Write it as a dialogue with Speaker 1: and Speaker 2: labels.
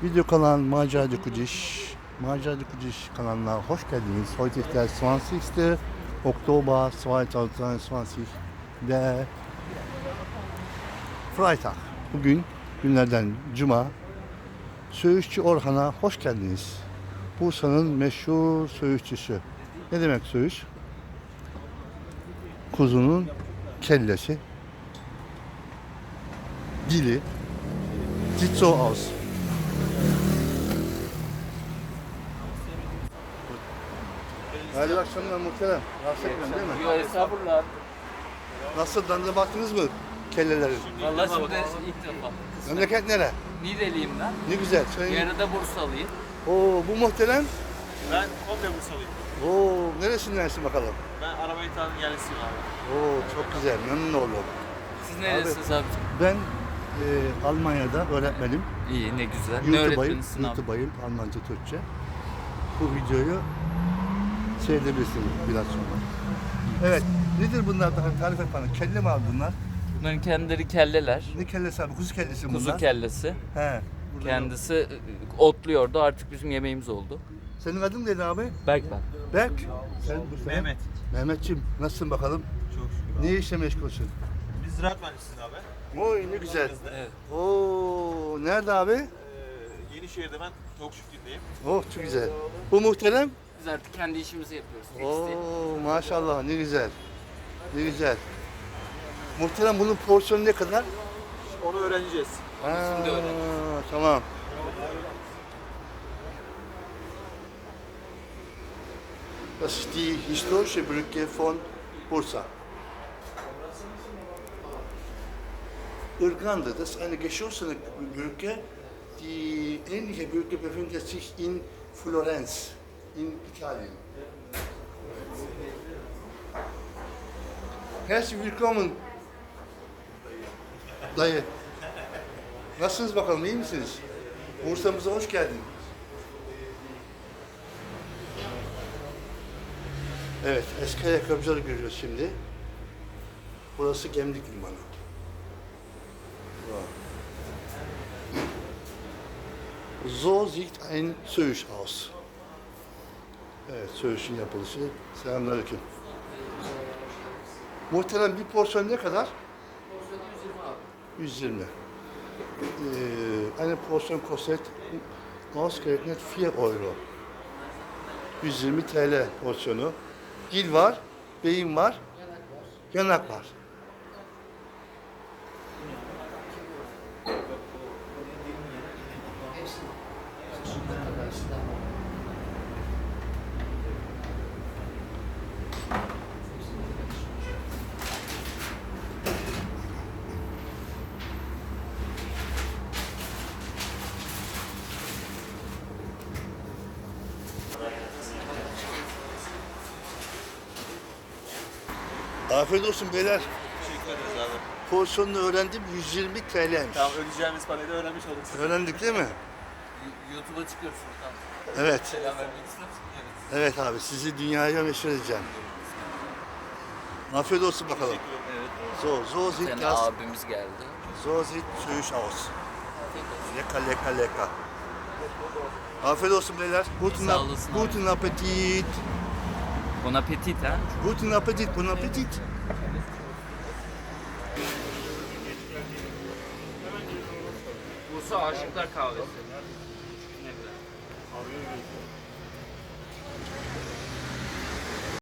Speaker 1: Video kanal Macera de Kudiş. Macera de Kudiş kanalına hoş geldiniz. Heute ist der 20. Oktober 2020. Der Freitag. Bugün günlerden Cuma. Söğüşçü Orhan'a hoş geldiniz. Bursa'nın meşhur söğüşçüsü. Ne demek söğüş? Kuzunun kellesi, dili, sieht so aus. Hayırlı akşamlar muhterem. Rahatsız etmiyorum değil mi?
Speaker 2: Yok estağfurullah.
Speaker 1: Nasıl, tadına baktınız mı kellelerin?
Speaker 2: Vallahi şimdi ilk defa.
Speaker 1: Memleket nere?
Speaker 2: Niğdeliyim ben.
Speaker 1: Ne güzel. Söyleyin.
Speaker 2: Yarıda Bursalıyım.
Speaker 1: Oo, bu muhterem.
Speaker 3: Ben komple Bursalıyım.
Speaker 1: Oo, neresindensin bakalım?
Speaker 3: Ben Arabaytan'ın yerlisiyim abi.
Speaker 1: Oo, çok güzel. Memnun oldum.
Speaker 2: Siz neresiniz abi?
Speaker 1: Ben Almanya'da öğretmenim.
Speaker 2: İyi, ne güzel. Ne
Speaker 1: YouTube'ayım,
Speaker 2: öğretmenisin abi?
Speaker 1: YouTube'ayım, Almanca, Türkçe. Bu videoyu seyredebilirsiniz biraz sonra. Evet, nedir bunlar? Tarif et bana. Kelle mi abi bunlar?
Speaker 2: Bunların kendileri kelleler.
Speaker 1: Ne kellesi abi? Kuzu kellesi mi bunlar?
Speaker 2: Kuzu kellesi.
Speaker 1: He. burada
Speaker 2: Kendisi otluyordu. Artık bizim yemeğimiz oldu.
Speaker 1: yok. Senin adın neydi abi?
Speaker 2: Berk ben.
Speaker 1: Berk. Sen bu
Speaker 3: Mehmet.
Speaker 1: Mehmetciğim, nasılsın bakalım?
Speaker 3: Çok şükür abi.
Speaker 1: Ne işle meşgulsün?
Speaker 3: Biz ziraat mühendisiyiz abi.
Speaker 1: Oy ne güzel.
Speaker 2: Evet.
Speaker 1: Oo, nerede abi?
Speaker 3: Yenişehir'de ben tavuk çiftliğindeyim.
Speaker 1: Oh çok güzel. Bu muhterem?
Speaker 2: Biz artık kendi işimizi yapıyoruz. Tekstil.
Speaker 1: Oo maşallah ne güzel. Ne güzel. Muhterem bunun porsiyonu ne kadar?
Speaker 3: Onu öğreneceğiz.
Speaker 2: Şimdi öğreneceğiz.
Speaker 1: Tamam. Das ist die historische Brücke von Bursa. Irganda, das ist eine geschlossene Brücke. Die ähnliche Brücke befindet sich in Florenz, in Italien. Herzlich willkommen. Dayı. Nasılsınız bakalım, iyi misiniz? Bursa'mıza hoş geldin. Evet, eski ayakkabıcıları görüyoruz şimdi. Burası Gemlik Limanı. So sieht ein Söğüş aus. Evet, Söğüş'ün yapılışı. Selamünaleyküm. Muhterem bir porsiyon ne kadar? 120. Eine Portion kostet ausgerechnet 4 Euro. 120 TL porsiyonu. Dil var, beyin var, yanak var. Afiyet olsun beyler.
Speaker 3: Teşekkür ederiz abi.
Speaker 1: Porsiyonunu öğrendim, 120 TL'ymiş.
Speaker 3: Tamam, ödeyeceğimiz parayı da öğrenmiş olduk.
Speaker 1: Öğrendik değil mi?
Speaker 2: YouTube'a çıkıyorsun. Tamam.
Speaker 1: Evet.
Speaker 2: Selam vermek ister misin? Evet.
Speaker 1: Evet abi, sizi dünyaya meşhur edeceğim. Afiyet olsun bakalım.
Speaker 2: Evet.
Speaker 1: So sieht
Speaker 2: Senin
Speaker 1: das,
Speaker 2: abimiz geldi.
Speaker 1: so sieht Söğüş aus.
Speaker 2: Afiyet olsun.
Speaker 1: Lecker, lecker, lecker. Afiyet olsun beyler. Guten,
Speaker 2: Sağ olasın abi.
Speaker 1: guten Appetit.
Speaker 2: Bon appetit ha.
Speaker 1: Guten Appetit, bon Appetit.
Speaker 2: Bursa Aşıklar Kahvesi. Ne güzel.